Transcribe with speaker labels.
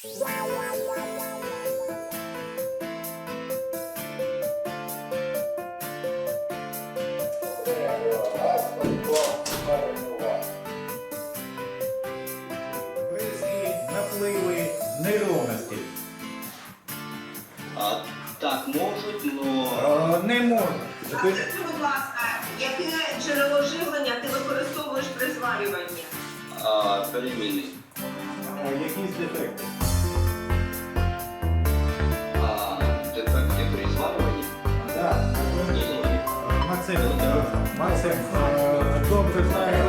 Speaker 1: Бризки, напливи, неровності.
Speaker 2: Так, можуть, но...
Speaker 1: Не можна.
Speaker 3: Скажи, будь ласка, яке джерело живлення ти використовуєш при зварюванні?
Speaker 2: Перемінний.
Speaker 1: Якісь дефекти.
Speaker 2: Дефекти при зварюванні?
Speaker 1: Так.
Speaker 2: Ні.
Speaker 1: Максим добре знає